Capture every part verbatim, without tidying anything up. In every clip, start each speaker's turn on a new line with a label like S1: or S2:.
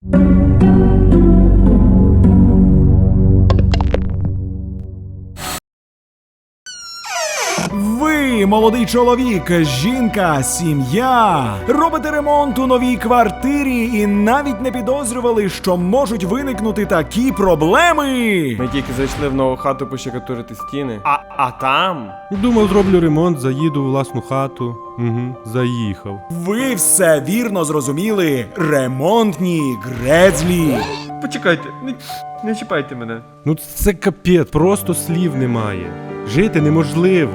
S1: Ви, молодий чоловік, жінка, сім'я, робите ремонт у новій квартирі і навіть не підозрювали, що можуть виникнути такі проблеми.
S2: Ми тільки зайшли в нову хату пощекатурити стіни. А, а там?
S3: Думав, зроблю ремонт, заїду у власну хату. Угу, заїхав.
S1: Ви все вірно зрозуміли. Ремонтні грецлі.
S2: Почекайте, не, не чіпайте мене.
S3: Ну це капець, просто слів немає. Жити неможливо.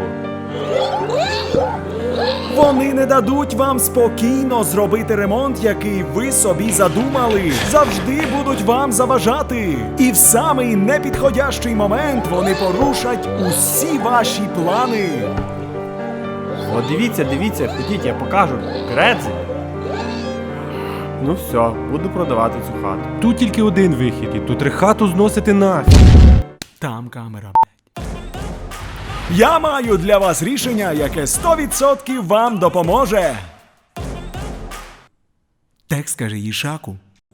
S1: Вони не дадуть вам спокійно зробити ремонт, який ви собі задумали. Завжди будуть вам заважати. І в самий непідходящий момент вони порушать усі ваші плани.
S2: О, дивіться, дивіться, ходіть, я покажу. Грецлі. Ну все, буду продавати цю хату.
S3: Тут тільки один вихід, і тут треба хату зносити нафіг.
S1: Там камера. Я маю для вас рішення, яке сто відсотків вам допоможе. Текст каже Їшаку.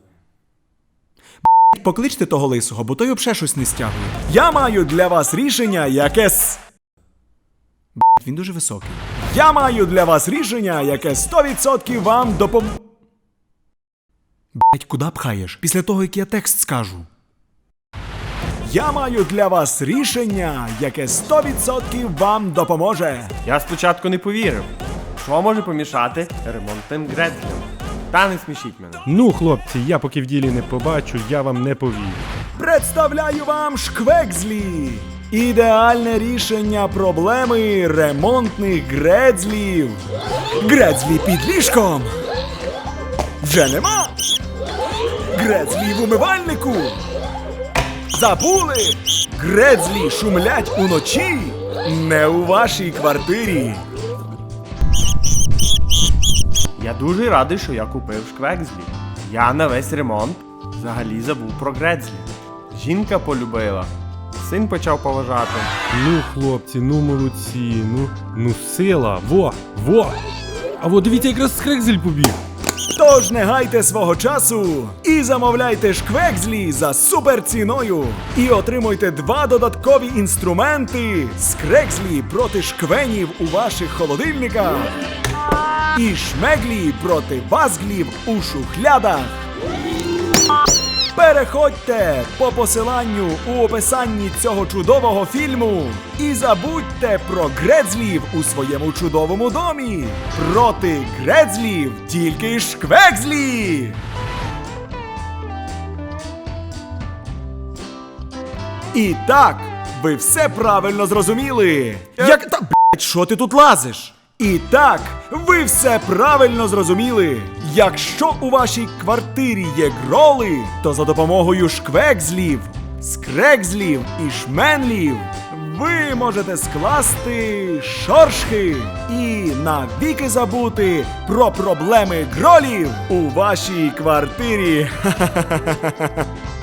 S1: Покличте того лисого, бо той обше щось не стягує. Я маю для вас рішення, яке с... Він дуже високий. Я маю для вас рішення, яке сто відсотків вам допом... Б***ь, куди пхаєш? Після того, як я текст скажу. Я маю для вас рішення, яке сто відсотків вам допоможе.
S2: Я спочатку не повірив. Що може помішати ремонтним грецлям? Та не смішіть мене.
S3: Ну, хлопці, я поки в ділі не побачу, я вам не повірю.
S1: Представляю вам шквекзлі. Ідеальне рішення проблеми ремонтних грецлів. Грецлі під ліжком. Вже нема. Грецлі в умивальнику. Забули? Грецлі шумлять уночі. Не у вашій квартирі.
S2: Я дуже радий, що я купив шквекзлі. Я на весь ремонт взагалі забув про грецлі. Жінка полюбила. Син почав поважати.
S3: Ну, хлопці, ну молодці, ну, ну сила, во, во. А во, дивіться, якраз скрекзель побіг.
S1: Тож не гайте свого часу і замовляйте шквекзлі за суперціною. І отримуйте два додаткові інструменти скрекзлі проти шквенів у ваших холодильниках і шмеглі проти вазглів у шухлядах. Переходьте по посиланню у описанні цього чудового фільму і забудьте про грецлів у своєму чудовому домі. Проти грецлів тільки шквекзлі! І так, ви все правильно зрозуміли. Як та блять, що ти тут лазиш? І так, ви все правильно зрозуміли. Якщо у вашій квартирі є гроли, то за допомогою шквекзлів, скрекзлів і шменлів ви можете скласти шоршки і навіки забути про проблеми гролів у вашій квартирі. Ха-ха-ха-ха-ха.